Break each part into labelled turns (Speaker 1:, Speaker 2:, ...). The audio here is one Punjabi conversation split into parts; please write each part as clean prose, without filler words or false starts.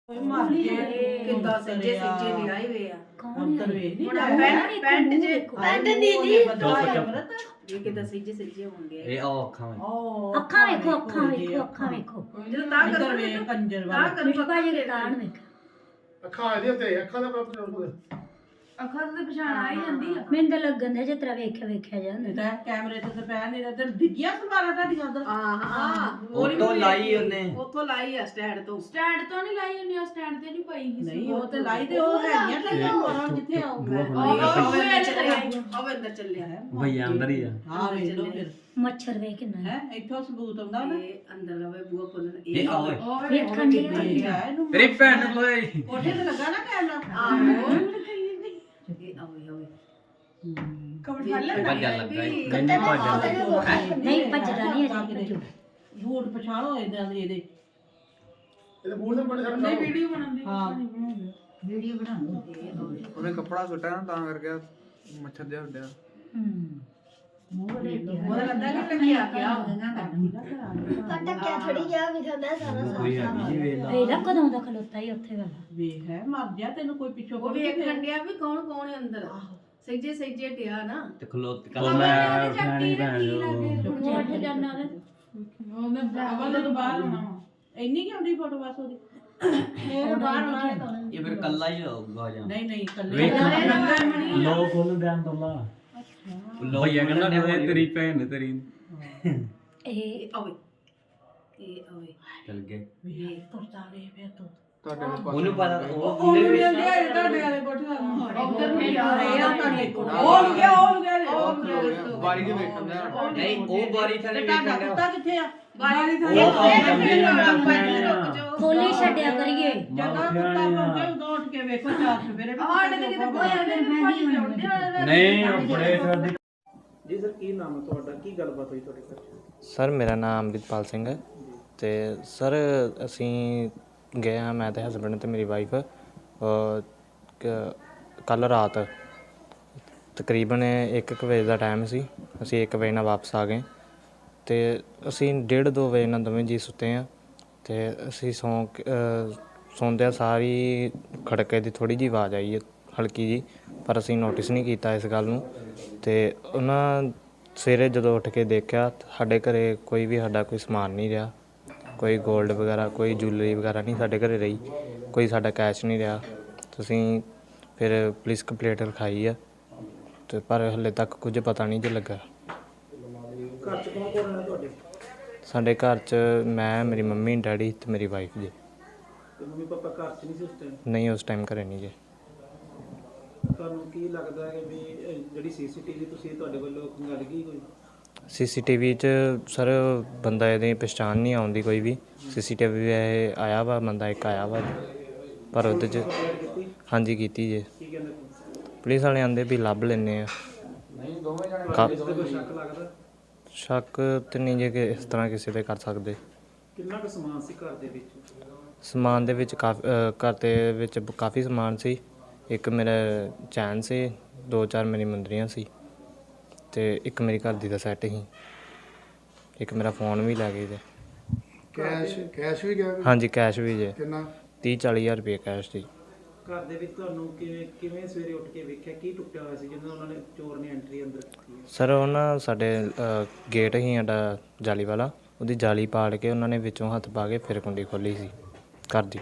Speaker 1: ਕਿੱਦਾਂ ਸੱਜੇ ਸੱਜੇ ਲਿਆਏ ਵੇ ਆ
Speaker 2: ਅੰਦਰ ਵੇਖ
Speaker 1: ਹੁਣ ਪੈਂਟ ਜੇ
Speaker 2: ਪੈਂਟ ਦੀ ਜੀ
Speaker 1: ਇਹ ਕਿੱਦਾਂ ਸੱਜੇ ਸੱਜੇ ਹੋਣਗੇ
Speaker 3: ਇਹ ਆ ਅੱਖਾਂ ਵਿੱਚ
Speaker 2: ਅੱਖਾਂ ਵੇਖੋ ਅੱਖਾਂ ਵੇਖੋ
Speaker 1: ਜਦੋਂ ਤਾਂ
Speaker 2: ਅੰਦਰ ਵੇਖ ਕੰਜਰ
Speaker 1: ਤਾਂ
Speaker 2: ਵਾਲਾ
Speaker 1: ਕਰ
Speaker 2: ਮਿੱਠੂ ਭਾਜੀ ਦੇ ਤਾਣ ਵੇਖ
Speaker 4: ਅੱਖਾਂ ਇਹਦੇ ਉੱਤੇ ਅੱਖਾਂ ਦਾ ਪ੍ਰੋਬਲਮ
Speaker 1: ਅੱਖਾਂ ਤੇ ਪਛਾਣ ਆ ਹੀ ਜਾਂਦੀ ਆ
Speaker 2: ਮੈਨੂੰ ਤਾਂ ਲੱਗਣ ਦੇ ਜਿਸ ਤਰ੍ਹਾਂ ਵੇਖਿਆ ਜਾਂਦਾ
Speaker 5: ਤਾਂ ਕੈਮਰੇ ਤੇ ਪੈ ਨਹੀਂ ਰਿਹਾ ਤੇ ਦਿੱਗੀਆਂ ਸਮਾਰਾ ਤੁਹਾਡੀਆਂ ਉਧਰ
Speaker 3: ਉੱਤੋਂ ਲਾਈ ਉਹਨੇ
Speaker 1: ਉੱਥੋਂ ਲਾਈ ਆ ਸਟੈਂਡ ਤੋਂ
Speaker 6: ਨਹੀਂ ਲਾਈ ਹੁੰਦੀ ਆ ਸਟੈਂਡ ਤੇ ਨਹੀਂ ਪਾਈ
Speaker 5: ਨਹੀਂ ਉਹ ਤੇ ਲਾਈ ਤੇ ਉਹ ਹੈਗੀਆਂ ਟੱਲੀਆਂ ਹੋਰਾਂ ਕਿੱਥੇ ਆਉਗਾ
Speaker 1: ਉਹ ਅੰਦਰ ਚੱਲਿਆ ਹੈ
Speaker 3: ਭਈਆ ਅੰਦਰ ਹੀ ਆ
Speaker 5: ਹਾਂ ਵੇਖ ਲਓ ਫਿਰ
Speaker 2: ਮੱਛਰ ਵੇਖ ਕਿੰਨਾ
Speaker 5: ਹੈ ਇੱਥੋਂ ਸਬੂਤ ਆਉਂਦਾ ਨਾ
Speaker 1: ਇਹ ਅੰਦਰ ਲਵੇ ਬੂਆ ਖੋਲਣ
Speaker 3: ਇਹ ਆਵੇ
Speaker 2: ਵੇਖਣ ਦੀ
Speaker 5: ਇਹ ਹੈ ਇਹਨੂੰ
Speaker 3: ਤੇਰੀ ਭੈਣ ਕੋਈ
Speaker 5: ਕੋਠੇ ਤੇ ਲੱਗਾ ਨਾ ਕੈਮਰਾ
Speaker 1: ਆਹੋ ਇਹ ਆਵੇ
Speaker 3: ਭੱਜਣ ਲੱਗਾ
Speaker 2: ਨਹੀਂ ਭੱਜਦਾ ਨਹੀਂ ਅਜੇ
Speaker 5: ਝੂਠ ਪਛਾਣੋ ਇਦਾਂ ਦੇ ਇਹਦੇ
Speaker 4: ਇਹਦੇ ਬੂਟ ਦੇ ਬੜੇ ਸਾਰੇ
Speaker 6: ਵੀਡੀਓ ਬਣਾਉਂਦੀ
Speaker 5: ਹਾਂ
Speaker 2: ਵੀਡੀਓ ਬਣਾਉਣੀ
Speaker 7: ਉਹਨੇ ਕੱਪੜਾ ਸੁੱਟਿਆ ਨਾ ਤਾਂ ਕਰਕੇ ਮੱਛਰ ਜਿਹਾ ਉੱਡਿਆ
Speaker 1: ਉਹਦਾ ਲੱਗਦਾ ਕਿ ਲੱਗਿਆ ਪਿਆ
Speaker 2: ਇਹਦਾ ਕਦੋਂ ਦਾ ਖਲੋਤਾ ਹੀ ਉੱਥੇ ਵਾਲਾ
Speaker 5: ਵੇਖ ਹੈ ਮਰ ਜਾ ਤੈਨੂੰ ਕੋਈ ਪਿੱਛੋਂ
Speaker 1: ਉਹ ਵੀ ਵੇਖਣ ਡਿਆ ਵੀ ਕੌਣ ਕੌਣ ਹੈ ਅੰਦਰ ਸੱਜੇ ਸੱਜੇ ਡਿਆ ਨਾ
Speaker 3: ਤੇ ਖਲੋਤ ਕੱਲ ਮੈਂ ਉਠਾਣੀ ਭੈਣ ਜੋ
Speaker 2: ਉੱਠ ਜਾਣਾ
Speaker 6: ਉਹਨੇ ਅਵਲ ਤੋਂ ਬਾਹਰ ਹੋਣਾ ਵਾ।
Speaker 5: ਇੰਨੀ ਕਿ ਆਉਂਦੀ ਫੋਟੋ ਬਸ ਉਹਦੀ
Speaker 1: ਇਹ ਬਾਹਰ ਆਉਣਾ
Speaker 3: ਇਹ ਫਿਰ ਕੱਲਾ ਹੀ ਹੋਊਗਾ ਜਾਂ
Speaker 5: ਨਹੀਂ ਨਹੀਂ ਕੱਲੇ
Speaker 3: ਵੇਖ ਲੋ ਖੋਲ ਦੇਣ ਤੋਲਾ ਲੋ ਭਈਆ ਕਹਿੰਦਾ ਤੇਰੀ ਭੈਣ ਤੇਰੀ
Speaker 2: ਇਹ
Speaker 1: ਆਵੇ ਇਹ ਆਵੇ
Speaker 3: ਚੱਲ ਗਏ
Speaker 5: ਵੇਖ ਤੁਰਦਾ ਵੇ ਫਿਰ ਤੂੰ
Speaker 7: ਤੁਹਾਡੇ ਨੂੰ
Speaker 3: ਉਹਨੂੰ ਪਤਾ ਉਹ
Speaker 6: ਉਹਨੂੰ ਵੀ ਆਂਦੇ ਆ ਤੁਹਾਡੇ ਵਾਲੇ ਕੋਠੇ ਦਾ
Speaker 1: ਉਧਰ ਨਹੀਂ ਆ
Speaker 5: ਇਹ ਆ ਤੁਹਾਡੇ ਕੋਲ
Speaker 6: ਉਹ ਗਿਆ
Speaker 7: ਬਾਰੀ ਦੇ ਵੇਖਣ ਦਾ
Speaker 3: ਨਹੀਂ ਉਹ ਬਾਰੀ ਥੱਲੇ
Speaker 5: ਤੁਹਾਡਾ
Speaker 3: ਵੇਖਣ
Speaker 5: ਕੁੱਤਾ ਕਿੱਥੇ ਆ
Speaker 1: ਬਾਰੀ
Speaker 3: ਉਹ ਕੰਮ ਕਰਦੇ ਆ
Speaker 2: ਖੋਲੀ ਛੱਡਿਆ ਕਰੀਏ
Speaker 5: ਜਦੋਂ ਕੁੱਤਾ ਪਹੁੰਚੇ ਉਦੋਂ ਉੱਠ ਕੇ ਵੇਖੋ ਚਾਰ ਸਵੇਰੇ ਵੀ
Speaker 6: ਆੜੇ ਤੇ ਕਿਤੇ ਕੋਈ ਆਉਂਦੇ ਨਹੀਂ
Speaker 3: ਨਹੀਂ ਉਹ ਬੜੇ ਸਾਡੇ
Speaker 4: ਜੀ ਸਰ ਕੀ ਨਾਮ ਹੈ ਤੁਹਾਡਾ ਕੀ ਗੱਲਬਾਤ ਹੋਈ ਤੁਹਾਡੇ ਘਰ
Speaker 8: ਸਰ ਮੇਰਾ ਨਾਮ ਅੰਮ੍ਰਿਤਪਾਲ ਸਿੰਘ ਹੈ ਤੇ ਸਰ ਅਸੀਂ ਗਏ ਹਾਂ ਮੈਂ ਤੇ ਹਸਬੈਂਡ ਤੇ ਮੇਰੀ ਵਾਈਫ ਕੱਲ ਰਾਤ ਤਕਰੀਬਨ 1 ਵਜੇ ਦਾ ਟਾਈਮ ਸੀ ਅਸੀਂ 1 ਵਜੇ ਨਾਲ ਵਾਪਸ ਆ ਗਏ ਤੇ ਅਸੀਂ 1:30-2 ਵਜੇ ਨਾਲ ਦੋਵੇਂ ਜੀ ਸੁੱਤੇ ਹਾਂ ਤੇ ਅਸੀਂ ਸੌਂਦਿਆਂ ਸਾਰੀ ਖੜਕੇ ਦੀ ਥੋੜੀ ਜਿਹੀ ਆਵਾਜ਼ ਆਈ ਹੈ ਹਲਕੀ ਜੀ ਪਰ ਅਸੀਂ ਨੋਟਿਸ ਨਹੀਂ ਕੀਤਾ ਇਸ ਗੱਲ ਨੂੰ ਤੇ ਉਹਨਾਂ ਸਵੇਰੇ ਜਦੋਂ ਉੱਠ ਕੇ ਦੇਖਿਆ ਸਾਡੇ ਘਰੇ ਕੋਈ ਵੀ ਸਾਡਾ ਕੋਈ ਸਮਾਨ ਨਹੀਂ ਰਿਹਾ ਕੋਈ ਗੋਲਡ ਵਗੈਰਾ ਕੋਈ ਜੁਐਲਰੀ ਵਗੈਰਾ ਨਹੀਂ ਸਾਡੇ ਘਰੇ ਰਹੀ ਕੋਈ ਸਾਡਾ ਕੈਸ਼ ਨਹੀਂ ਰਿਹਾ ਤੁਸੀਂ ਫਿਰ ਪੁਲਿਸ ਕੰਪਲੇਂਟ ਲਿਖਾਈ ਆ ਤੇ ਪਰ ਹਲੇ ਤੱਕ ਕੁਝ ਪਤਾ ਨਹੀਂ ਜੇ ਲੱਗਾ
Speaker 4: ਘਰ ਚ ਕੌਣ ਕੌਣ ਹੈ ਤੁਹਾਡੇ
Speaker 8: ਸਾਡੇ ਘਰ 'ਚ ਮੈਂ ਮੇਰੀ ਮੰਮੀ ਡੈਡੀ ਤੇ ਮੇਰੀ ਵਾਈਫ ਜੀ
Speaker 4: ਤੇ ਮੰਮੀ ਪਾਪਾ ਘਰ ਚ ਨਹੀਂ ਸੀ ਉਸ ਟਾਈਮ
Speaker 8: ਨਹੀਂ ਉਸ ਟਾਈਮ ਘਰੇ ਨਹੀਂ ਜੀ
Speaker 4: ਤੁਹਾਨੂੰ ਕੀ ਲੱਗਦਾ ਹੈ ਵੀ ਜਿਹੜੀ ਸੀਸੀਟੀਵੀ ਤੁਸੀਂ ਤੁਹਾਡੇ ਵੱਲੋਂ ਖੰਗਾਲ ਗਈ ਕੋਈ
Speaker 8: ਸੀਸੀਟੀਵੀ 'ਚ ਸਰ ਬੰਦਾ ਇਹਦੀ ਪਛਾਣ ਨਹੀਂ ਆਉਂਦੀ ਕੋਈ ਵੀ ਸੀਸੀਟੀਵੀ ਇਹ ਆਇਆ ਵਾ ਬੰਦਾ ਇੱਕ ਆਇਆ ਵਾ ਪਰ ਉਹਦੇ 'ਚ ਹਾਂਜੀ ਕੀਤੀ ਜੇ
Speaker 4: ਕੀ ਕਹਿੰਦੇ
Speaker 8: ਪੁਲਿਸ ਵਾਲੇ ਆਂਦੇ ਵੀ ਲੱਭ ਲੈਂਦੇ ਆ
Speaker 4: ਕੋਈ ਸ਼ੱਕ ਲੱਗਦਾ
Speaker 8: ਸ਼ੱਕ ਤੇ ਨਹੀਂ ਜੇ ਕਿ ਇਸ ਤਰ੍ਹਾਂ ਕਿਸੇ ਤੇ ਕਰ ਸਕਦੇ
Speaker 4: ਕਿੰਨਾ ਕੁ ਸਮਾਨ ਸੀ ਘਰ ਦੇ ਵਿੱਚ
Speaker 8: ਸਮਾਨ ਦੇ ਵਿੱਚ ਘਰ ਦੇ ਵਿੱਚ ਕਾਫੀ ਸਮਾਨ ਸੀ ਇੱਕ ਮੇਰਾ ਚੈਨ ਸੀ 2-4 ਮੇਰੀ ਮੁੰਦਰੀਆਂ ਸੀ ਤੇ ਇੱਕ ਮੇਰੀ ਘਰ ਦੀ ਦਾ ਸੈੱਟ ਸੀ ਇੱਕ ਮੇਰਾ ਫੋਨ ਵੀ ਲੈ ਗਏ ਜੇ
Speaker 4: ਕੈਸ਼ ਵੀ ਗਿਆ
Speaker 8: ਹਾਂਜੀ ਕੈਸ਼ ਵੀ ਜੇ
Speaker 4: ਕਿੰਨਾ
Speaker 8: 30-40 ਹਜ਼ਾਰ ਰੁਪਏ ਕੈਸ਼ ਸੀ
Speaker 4: ਘਰ ਦੇ ਵਿੱਚ ਤੁਹਾਨੂੰ ਕਿਵੇਂ ਸਵੇਰੇ ਉੱਠ ਕੇ ਵੇਖਿਆ ਕੀ ਟੁੱਟਿਆ ਹੋਇਆ ਸੀ ਜਦੋਂ ਉਹਨਾਂ ਨੇ ਚੋਰ ਨੇ ਐਂਟਰੀ ਅੰਦਰ ਕੀਤੀ ਹੈ
Speaker 8: ਸਰ ਉਹਨਾਂ ਸਾਡੇ ਗੇਟ ਹੀ ਸਾਡਾ ਜਾਲੀ ਵਾਲਾ ਉਹਦੀ ਜਾਲੀ ਪਾੜ ਕੇ ਉਹਨਾਂ ਨੇ ਵਿੱਚੋਂ ਹੱਥ ਪਾ ਕੇ ਫਿਰ ਕੁੰਡੀ ਖੋਲੀ ਸੀ ਘਰ ਦੀ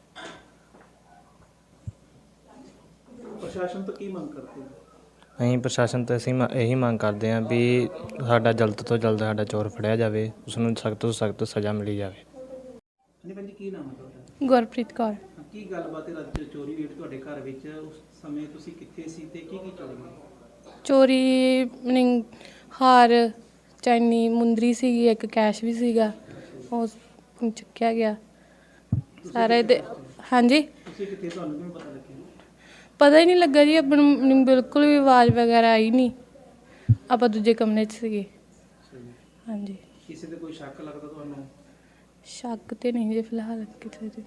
Speaker 4: ਪ੍ਰਸ਼ਾਸਨ ਤੋਂ ਕੀ ਮੰਗ ਕਰਦੇ ਹੋ
Speaker 8: ਅਸੀਂ ਪ੍ਰਸ਼ਾਸਨ ਤੋਂ ਅਸੀਂ ਇਹੀ ਮੰਗ ਕਰਦੇ ਹਾਂ ਵੀ ਸਾਡਾ ਜਲਦ ਤੋਂ ਜਲਦ ਸਾਡਾ ਚੋਰ ਫੜਿਆ ਜਾਵੇ ਉਸ ਨੂੰ ਸਖਤ ਤੋਂ ਸਖਤ ਸਜ਼ਾ ਮਿਲੀ ਜਾਵੇ
Speaker 4: ਹਾਂਜੀ ਭਾਜੀ ਕੀ ਨਾਮ ਹੈ ਤੁਹਾਡਾ
Speaker 6: ਗੁਰਪ੍ਰੀਤ ਕੌਰ
Speaker 4: ਕੀ ਗੱਲਬਾਤ ਹੈ ਅੱਜ ਚੋਰੀ ਹੋਈ ਤੁਹਾਡੇ ਘਰ ਵਿੱਚ ਉਸ ਸਮੇਂ ਤੁਸੀਂ ਕਿੱਥੇ ਸੀ ਤੇ ਕੀ ਚੋਰੀ ਹੋਈ
Speaker 6: ਚੋਰੀ ਮੀਨਿੰਗ ਹਾਰ ਚੈਨੀ ਮੁੰਦਰੀ ਸੀਗੀ ਇੱਕ ਕੈਸ਼ ਵੀ ਸੀਗਾ ਉਹ ਚੁੱਕਿਆ ਗਿਆ ਸਾਰੇ ਦੇ ਹਾਂਜੀ
Speaker 4: ਤੁਸੀਂ ਕਿੱਥੇ ਤੁਹਾਨੂੰ ਕਿਵੇਂ ਪਤਾ ਲੱਗਿਆ
Speaker 6: ਪਤਾ ਹੀ ਨਹੀਂ ਲੱਗਾ ਜੀ ਆਪਾਂ ਨੂੰ ਬਿਲਕੁਲ ਵੀ ਆਵਾਜ਼ ਵਗੈਰਾ ਆਈ ਨਹੀਂ ਆਪਾਂ ਦੂਜੇ ਕਮਰੇ 'ਚ ਸੀਗੇ ਹਾਂਜੀ
Speaker 4: ਕਿਸੇ ਤੇ ਕੋਈ ਸ਼ੱਕ ਲੱਗਦਾ ਤੁਹਾਨੂੰ
Speaker 6: ਸ਼ੱਕ ਤੇ ਨਹੀਂ ਜੇ ਫਿਲਹਾਲ ਕਿਸੇ ਤੇ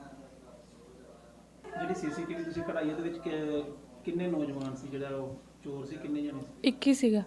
Speaker 4: ਜਿਹੜੀ ਸੀਸੀਟੀਵੀ ਤੁਸੀਂ ਕਢਾਈ ਉਹਦੇ ਵਿੱਚ ਕਿੰਨੇ ਨੌਜਵਾਨ ਸੀ ਜਿਹੜਾ ਉਹ ਚੋਰ ਸੀ ਕਿੰਨੇ ਜਣੇ ਸੀ
Speaker 6: ਇੱਕ ਹੀ ਸੀਗਾ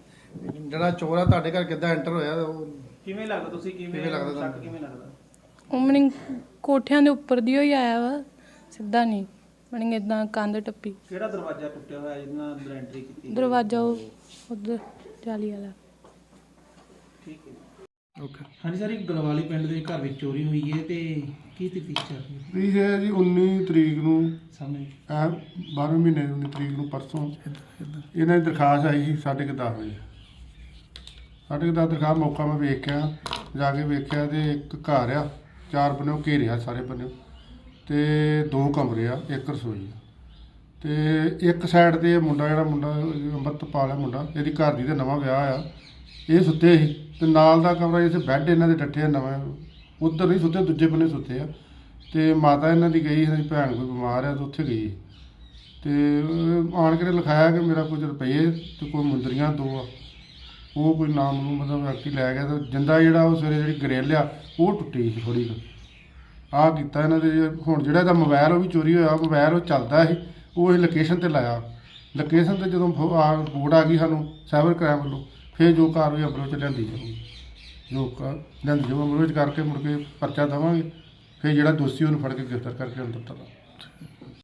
Speaker 9: ਜਿਹੜਾ ਚੋਰ ਆ ਤੁਹਾਡੇ ਘਰ ਕਿੱਦਾਂ ਐਂਟਰ ਹੋਇਆ ਉਹ
Speaker 4: ਕਿਵੇਂ ਲੱਗਦਾ ਤੁਸੀਂ ਕਿਵੇਂ
Speaker 9: ਲੱਗਦਾ
Speaker 4: ਸ਼ੱਕ
Speaker 9: ਤੁਹਾਨੂੰ?
Speaker 4: ਕਿਵੇਂ ਲੱਗਦਾ
Speaker 6: ਉਹ ਮਣੀ ਕੋਠਿਆਂ ਦੇ ਉੱਪਰ ਦੀ ਹੋਈ ਆਇਆ ਵਾ, ਸਿੱਧਾ ਨਹੀਂ ਮਣੀ ਇਦਾਂ ਕੰਧ ਟੱਪੀ।
Speaker 4: ਕਿਹੜਾ ਦਰਵਾਜ਼ਾ ਟੁੱਟਿਆ ਹੋਇਆ ਜਿਹਦੇ ਨਾਲ ਅੰਦਰ ਐਂਟਰੀ ਕੀਤੀ?
Speaker 6: ਦਰਵਾਜ਼ਾ ਉਹ ਉਧਰ ਜਾਲੀ ਵਾਲਾ।
Speaker 4: ਠੀਕ ਹੈ।
Speaker 7: ਓਕੇ।
Speaker 4: ਹਾਂਜੀ ਸਰ, ਇੱਕ ਗਲਵਾਲੀ ਪਿੰਡ ਦੇ ਘਰ ਵਿੱਚ ਚੋਰੀ ਹੋਈ ਹੈ ਤੇ ਕੀ ਤਫਤੀਸ਼ ਚੱਲ ਰਹੀ ਹੈ?
Speaker 9: ਵੀ ਹੈ ਜੀ 19 ਤਰੀਕ ਨੂੰ
Speaker 4: ਸਾਹਮਣੇ
Speaker 9: 12ਵੇਂ ਮਹੀਨੇ 19 ਤਰੀਕ ਨੂੰ ਪਰਸੋਂ ਇਹਨਾਂ ਦੀ ਦਰਖਾਸਤ ਆਈ ਸੀ 10:30 ਵਜੇ। 10:30 ਦਰਖਾਸਤ ਮੌਕਾ ਮੈਂ ਵੇਖਿਆ, ਜਾ ਕੇ ਵੇਖਿਆ ਤੇ ਇੱਕ ਘਰ ਆ, 4 ਬੰਨਿਓ ਘੇਰਿਆ ਸਾਰੇ ਬੰਨਿਓ, ਤੇ 2 ਕਮਰੇ ਆ, 1 ਰਸੋਈ ਆ, ਤੇ ਇੱਕ ਸਾਈਡ ਤੇ ਇਹ ਮੁੰਡਾ ਅੰਮ੍ਰਿਤਪਾਲ ਹੈ ਮੁੰਡਾ, ਇਹਦੀ ਘਰ ਦੀ ਦਾ ਨਵਾਂ ਵਿਆਹ ਆ, ਇਹ ਸੁੱਤੇ ਸੀ ਤੇ ਨਾਲ ਦਾ ਕਮਰਾ ਜਿੱਥੇ ਬੈੱਡ ਇਹਨਾਂ ਦੇ ਡੱਠੇ ਆ ਨਵਾਂ, ਉੱਧਰ ਨਹੀਂ ਸੁੱਤੇ, ਦੂਜੇ ਬੰਨੇ ਸੁੱਤੇ ਆ। ਤੇ ਮਾਤਾ ਇਹਨਾਂ ਦੀ ਗਈ, ਇਹਨਾਂ ਦੀ ਭੈਣ ਕੋਈ ਬਿਮਾਰ ਆ ਤੇ ਉੱਥੇ ਗਈ, ਤੇ ਆਣ ਕੇ ਲਿਖਾਇਆ ਕਿ ਮੇਰਾ ਕੁਝ ਰੁਪਏ ਤੇ ਕੋਈ ਮੁੰਦਰੀਆਂ 2 ਆ, ਉਹ ਕੋਈ ਨਾਮ ਨੂੰ ਮਤਲਬ ਵਿਅਕਤੀ ਲੈ ਗਿਆ। ਤੇ ਜਿੰਦਾ ਜਿਹੜਾ ਉਹ ਸਵੇਰੇ ਜਿਹੜੀ ਗਰੇਲ ਆ ਉਹ ਟੁੱਟੀ ਸੀ ਥੋੜ੍ਹੀ ਕੁ। ਆਹ ਕੀਤਾ ਇਹਨਾਂ ਦੇ। ਹੁਣ ਜਿਹੜਾ ਇਹਦਾ ਮੋਬਾਈਲ ਉਹ ਵੀ ਚੋਰੀ ਹੋਇਆ, ਮੋਬਾਈਲ ਉਹ ਚੱਲਦਾ ਸੀ, ਉਹ ਇਹ ਲੋਕੇਸ਼ਨ 'ਤੇ ਲਾਇਆ। ਲੋਕੇਸ਼ਨ 'ਤੇ ਜਦੋਂ ਰਿਪੋਰਟ ਆ ਗਈ ਸਾਨੂੰ ਸਾਈਬਰ ਕ੍ਰਾਈਮ ਵੱਲੋਂ, ਫਿਰ ਜੋ ਕਾਰਵਾਈ ਅਮਲ ਵਿੱਚ ਲਿਆਂਦੀ ਜਾਊਗੀ, ਜੋ ਅਮਲ ਵਿੱਚ ਕਰਕੇ ਮੁੜ ਕੇ ਪਰਚਾ ਦੇਵਾਂਗੇ, ਫਿਰ ਜਿਹੜਾ ਦੋਸ਼ੀ ਉਹਨੂੰ ਫੜ ਕੇ ਗ੍ਰਿਫਤਾਰ ਕਰਕੇ ਅੰਦਰ ਤੱਕ।